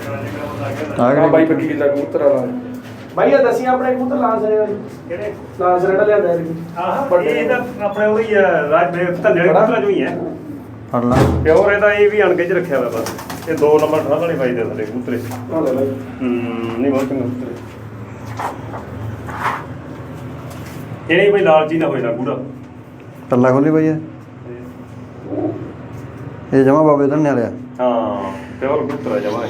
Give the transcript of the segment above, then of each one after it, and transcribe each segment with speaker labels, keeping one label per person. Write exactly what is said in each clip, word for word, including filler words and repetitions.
Speaker 1: ਆ ਬਾਈ ਪੱਕੀ ਕਿੱਲਾ ਕਬੂਤਰ ਵਾਲਾ ਬਾਈ ਆ ਦੱਸੀ ਆਪਣੇ ਕਬੂਤਰ ਲਾਂਸਰੇ ਵਾਲੇ
Speaker 2: ਕਿਹੜੇ
Speaker 1: ਲਾਂਸਰੇ ਜਿਹੜਾ ਲਿਆਂਦਾ ਇਹ
Speaker 2: ਆਹ ਇਹ ਤਾਂ ਆਪਣੇ ਉਹੀ ਆ ਰਾਜ ਦੇ ਧੰਨੇ ਕਬੂਤਰਾਂ ਚੋਂ ਹੀ ਹੈ
Speaker 3: ਫੜ ਲਾ
Speaker 2: ਪਿਓਰ ਇਹਦਾ ਇਹ ਵੀ ਅਣਗੇ ਚ ਰੱਖਿਆ ਹੋਇਆ ਬਸ ਇਹ ਦੋ ਨੰਬਰ ਠਾਹ ਵਾਲੀ ਬਾਈ ਦੇ ਥੱਲੇ ਕਬੂਤਰੇ
Speaker 1: ਆ ਲੈ ਬਾਈ
Speaker 2: ਹੂੰ ਨਹੀਂ ਬਹੁਤ ਚੰਗੇ ਕਬੂਤਰੇ ਇਹ ਨਹੀਂ ਬਈ ਲਾਲਚੀ ਨਾ ਹੋਏ ਨਾ ਗੂੜਾ
Speaker 3: ਪੱਲਾ ਖੋਲੀ ਬਈ ਇਹ ਇਹ ਜਮਾ ਬਾਬੇ ਧੰਨੇ ਵਾਲਿਆ
Speaker 2: ਹਾਂ ਪਿਓਰ ਕਬੂਤਰ ਜਮਾ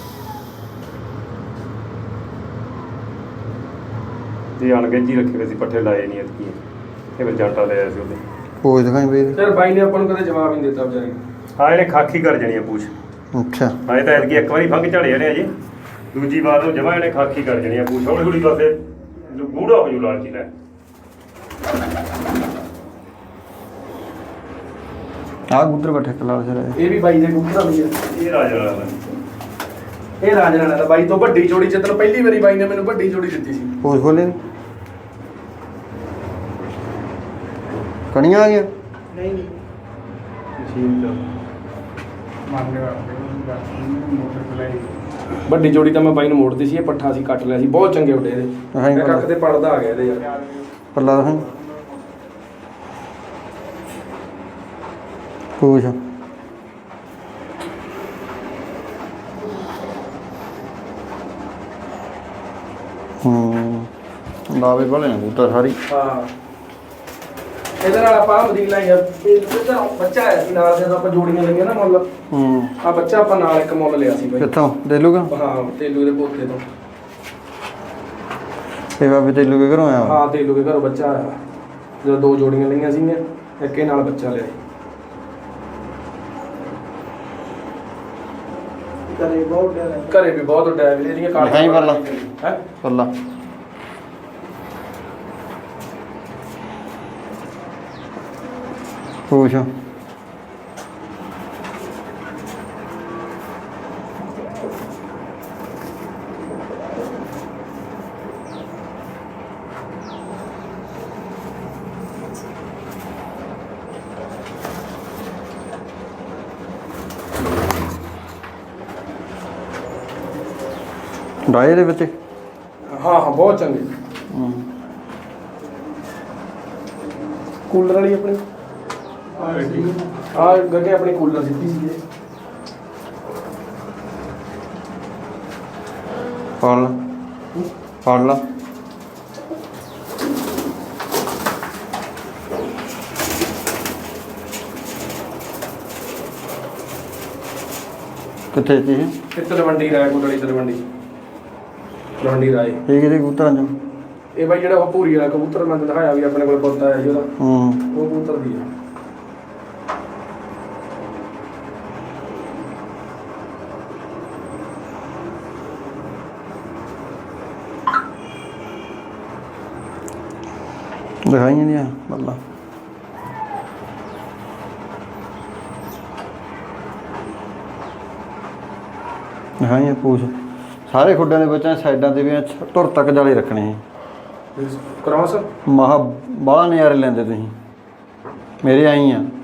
Speaker 2: ਇਹ ਅਣਗੇ ਜੀ ਰੱਖੇ ਹੋਏ ਸੀ ਪੱਠੇ ਲਾਏ ਨਹੀਂ ਐਤਕੀ ਇਹ ਫਿਰ ਜੱਟਾ ਲਿਆ ਸੀ ਉਹਦੇ
Speaker 3: ਪੋਜ ਦਿਖਾਈ ਬਈ
Speaker 1: ਯਾਰ ਬਾਈ ਨੇ ਆਪਾਂ ਨੂੰ ਕਦੇ ਜਵਾਬ ਹੀ ਨਹੀਂ ਦਿੱਤਾ ਵਿਚਾਰੇ
Speaker 2: ਹਾਂ ਇਹਨੇ ਖਾਕੀ ਕਰ ਜਾਣੀ ਆ ਪੂਛ
Speaker 3: ਅੱਛਾ
Speaker 2: ਹਾਂ ਇਹ ਤਾਂ ਐਤਕੀ ਇੱਕ ਵਾਰੀ ਫੰਗ ਝੜੇ ਨੇ ਅਜੇ ਦੂਜੀ ਵਾਰ ਨੂੰ ਜਮਾ ਇਹਨੇ ਖਾਕੀ ਕਰ ਜਾਣੀ ਆ ਪੂਛ ਹੌਲੀ ਹੌਲੀ ਪਾਸੇ ਗੂੜਾ ਹੋ ਜੂ ਲਾਲਚੀ ਲੈ
Speaker 3: ਆ ਗੁੱਦਰ ਬੈਠੇ ਕਲਾਲ ਸਰ
Speaker 1: ਇਹ ਵੀ ਬਾਈ ਦੇ ਕਬੂਤਰ ਵੀ ਆ
Speaker 2: ਇਹ ਰਾਜ ਵਾਲਾ ਵਾ।
Speaker 1: ਇਹ ਰਾਜਰਾਣਾ ਦਾ ਬਾਈ ਤੋਂ ਵੱਡੀ ਜੋੜੀ ਜਦੋਂ ਪਹਿਲੀ ਵਾਰੀ ਬਾਈ ਨੇ ਮੈਨੂੰ ਵੱਡੀ ਜੋੜੀ ਦਿੱਤੀ ਸੀ
Speaker 3: ਪੋਜ ਖੋਲੇ ਕਣੀਆਂ ਆ ਗਿਆ
Speaker 1: ਨਹੀਂ ਨਹੀਂ
Speaker 2: ਠੀਕ ਆ
Speaker 1: ਮੰਗਦੇ ਵੱਡੀ ਜੋੜੀ ਤਾਂ ਮੈਂ ਬਾਈ ਨੂੰ ਮੋੜਦੀ ਸੀ ਇਹ ਪੱਠਾ ਸੀ ਕੱਟ ਲਿਆ ਸੀ ਬਹੁਤ ਚੰਗੇ ਉੱਡੇ ਇਹਦੇ
Speaker 3: ਹਾਂ
Speaker 1: ਮੈਂ ਕੱਟ ਤੇ ਪੜਦਾ ਆ ਗਿਆ ਇਹਦੇ ਯਾਰ
Speaker 3: ਪੱਲਾ ਦਿਖਾਈ ਪੋਜ ਹੂੰ ਲਾਵੇ ਵਾਲੇ ਨੇ ਕਬੂਤਰ ਸਾਰੀ
Speaker 1: ਹਾਂ ਇਹਦੇ ਨਾਲ ਆਪਾਂ ਮਦੀਨਾ ਹੀ ਆ ਇਹਦਾ ਬੱਚਾ ਆਇਆ ਸੀ ਨਾਲ ਜਦੋਂ ਆਪਾਂ ਜੋੜੀਆਂ ਲਈਆਂ ਨਾ ਮੁੱਲ
Speaker 3: ਹੂੰ
Speaker 1: ਆ ਬੱਚਾ ਆਪਾਂ ਨਾਲ ਇੱਕ ਮੁੱਲ ਲਿਆ ਸੀ ਬਾਈ
Speaker 3: ਕਿੱਥੋਂ ਦੇ ਲੂਗਾ
Speaker 1: ਹਾਂ ਤੇਲੂ ਦੇ ਪੋਤੇ ਤੋਂ
Speaker 3: ਇਹ ਬਾਬੇ ਤੇਲੂ ਕੇ ਘਰੋਂ ਆਇਆ
Speaker 1: ਹਾਂ ਤੇਲੂ ਦੇ ਘਰੋਂ ਬੱਚਾ ਆਇਆ ਜਦੋਂ ਦੋ ਜੋੜੀਆਂ ਲਈਆਂ ਸੀਗੀਆਂ ਇੱਕ ਇਹ ਨਾਲ ਬੱਚਾ ਲਿਆ ਘਰੇ ਬਹੁਤ ਘਰੇ ਵੀ ਬਹੁਤ ਉੱਡਿਆ ਵੀ ਇਹਦੀਆਂ
Speaker 3: ਦਿਖਾਈ ਪੱਲਾ।
Speaker 1: ਹੈ
Speaker 3: ਪੱਲਾ ਪੋਜ ਡਾਏ ਦੇ ਵਿੱਚ
Speaker 1: ਹਾਂ ਹਾਂ ਬਹੁਤ ਚੰਗੇ
Speaker 3: ਹੂੰ
Speaker 1: ਕੂਲਰ ਵਾਲੀ ਆਪਣੀ ਆ ਗੱਗੇ ਆਪਣੀ ਕੂਲਰ ਸਿੱਧੀ ਸੀ ਇਹ
Speaker 3: ਫੜ ਲਾ ਫੜ ਲਾ ਕਿੱਥੇ ਜੀ
Speaker 1: ਇਹ ਤਲਵੰਡੀ ਰਾਏ ਕੋਟਲੀ ਤਲਵੰਡੀ ਤਲਵੰਡੀ ਰਾਏ
Speaker 3: ਇਹ ਕਿਹਦੇ ਕਬੂਤਰਾਂ ਚੋਂ
Speaker 1: ਇਹ ਬਾਈ ਜਿਹੜਾ ਉਹ ਭੂਰੀ ਵਾਲਾ ਕਬੂਤਰ ਮੈਂ ਦਿਖਾਇਆ ਵੀ ਆਪਣੇ ਕੋਲ ਪੁੱਤ ਆਇਆ ਸੀ ਉਹਦਾ
Speaker 3: ਹੂੰ
Speaker 1: ਉਹ ਕਬੂਤਰ ਦੀ ਆ
Speaker 3: ਦਿਖਾਈਆਂ ਨਹੀਂ ਆ ਬੱਲਾ ਦਿਖਾਈਆਂ ਪੂਛ ਸਾਰੇ ਖੁੱਡਾਂ ਦੇ ਬੱਚਿਆਂ ਸਾਈਡਾਂ ਤੇ ਵੀ ਧੁਰ ਤੱਕ ਜਾਲੇ ਰੱਖਣੇ
Speaker 1: ਕ੍ਰਾਸ
Speaker 3: ਮਹਾ ਬਾਹਲਾ ਨਜ਼ਾਰੇ ਲੈਂਦੇ ਤੁਸੀਂ ਮੇਰੇ ਆਈ ਆ